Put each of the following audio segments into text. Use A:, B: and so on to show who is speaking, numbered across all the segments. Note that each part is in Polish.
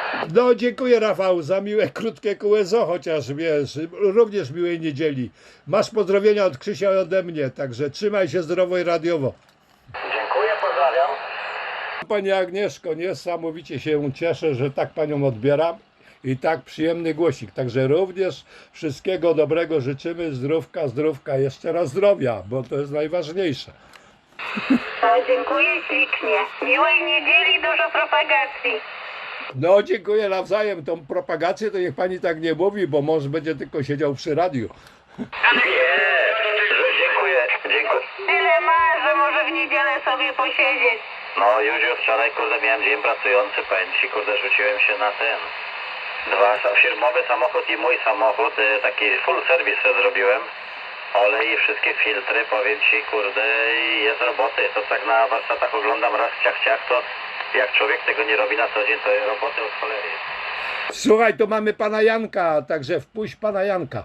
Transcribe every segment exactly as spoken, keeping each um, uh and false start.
A: No dziękuję Rafał za miłe, krótkie kółezo, chociaż wiesz, również miłej niedzieli. Masz pozdrowienia od Krzysia i ode mnie, także trzymaj się zdrowo i radiowo.
B: Dziękuję, pozdrawiam.
A: Pani Agnieszko, niesamowicie się cieszę, że tak Panią odbieram i tak przyjemny głosik. Także również wszystkiego dobrego życzymy, zdrówka, zdrówka, jeszcze raz zdrowia, bo to jest najważniejsze.
C: O, dziękuję ślicznie. Miłej niedzieli, dużo propagacji.
A: No dziękuję nawzajem, tą propagację to niech Pani tak nie mówi, bo mąż będzie tylko siedział przy radiu.
B: Nie, dziękuję, dziękuję.
C: Tyle ma, że może w niedzielę sobie posiedzieć.
B: No już wczoraj, kurde, miałem dzień pracujący, powiem ci, kurde, rzuciłem się na ten. Dwa firmowy samochód i mój samochód, y, taki full service sobie zrobiłem. Olej i wszystkie filtry, powiem ci, kurde, i jest roboty. To tak na warsztatach oglądam raz ciach ciach, to jak człowiek tego nie robi na co dzień, to jest roboty od cholery.
A: Słuchaj, tu mamy Pana Janka, także wpuść Pana Janka.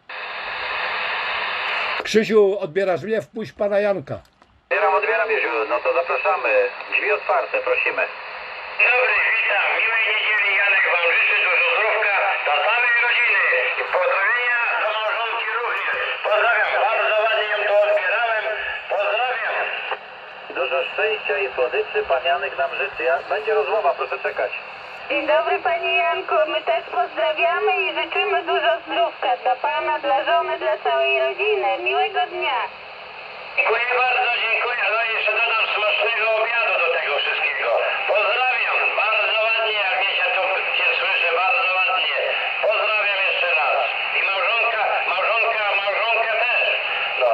A: Krzysiu, odbierasz mnie? Wpuść Pana Janka.
B: Odbieram, odbieram, Jeziu, no to zapraszamy. Drzwi otwarte, prosimy.
D: Dobry, witam. Miłej niedzieli. Janek wam życzy dużo zdrówka dla całej rodziny. I pozdrowienia do małżonki również. Pozdrawiam. Bardzo ładnie ją tu odbierałem. Pozdrawiam.
B: Dużo szczęścia i słodyczy pan Janek nam życzy. Ja, będzie rozmowa, proszę czekać.
C: Dzień dobry Panie Janku, my też pozdrawiamy i życzymy dużo zdrówka dla Pana, dla żony, dla całej rodziny. Miłego dnia.
D: Dziękuję bardzo, dziękuję. No i jeszcze dodam smacznego obiadu do tego wszystkiego. Pozdrawiam. Bardzo ładnie, jak mnie się tu cię słyszę, bardzo ładnie. Pozdrawiam jeszcze raz. I małżonka, małżonka, małżonkę też. No.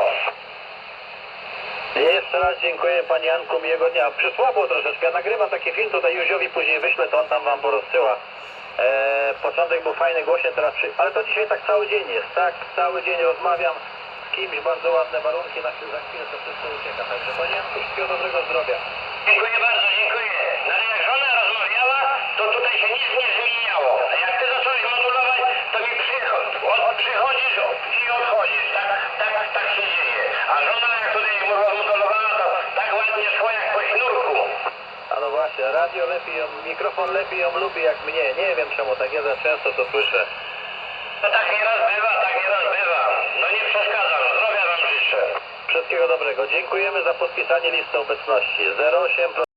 B: Jeszcze raz dziękuję panie Janku, miłego dnia. Przysłabło troszeczkę, ja nagrywam taki film, tutaj Józiowi później wyślę, to on tam wam porozsyła. Eee, początek był fajny, głośny, teraz przy... Ale to dzisiaj tak cały dzień jest, tak? Cały dzień rozmawiam z kimś, bardzo ładne warunki, na chwilę, za chwilę to wszystko ucieka. Także panie Janku, wszystkiego dobrego zdrowia.
D: Dziękuję bardzo, dziękuję. No ale jak żona rozmawiała, to tutaj się nic nie zmieniało. A jak ty zacząłeś modulować, to mi przychodzi, od, przychodzisz i odchodzisz. Tak, tak, tak się dzieje. A żona jak tutaj rozmodulowała, to tak ładnie szło jak po sznurku.
B: A no właśnie, radio lepiej ją, mikrofon lepiej ją lubi jak mnie. Nie wiem czemu, tak ja za często to słyszę.
D: To tak nieraz bywa, tak nieraz bywa. No nie przeszkadzam, zdrowia wam życzę.
B: Wszystkiego dobrego. Dziękujemy za podpisanie listy obecności. zero osiem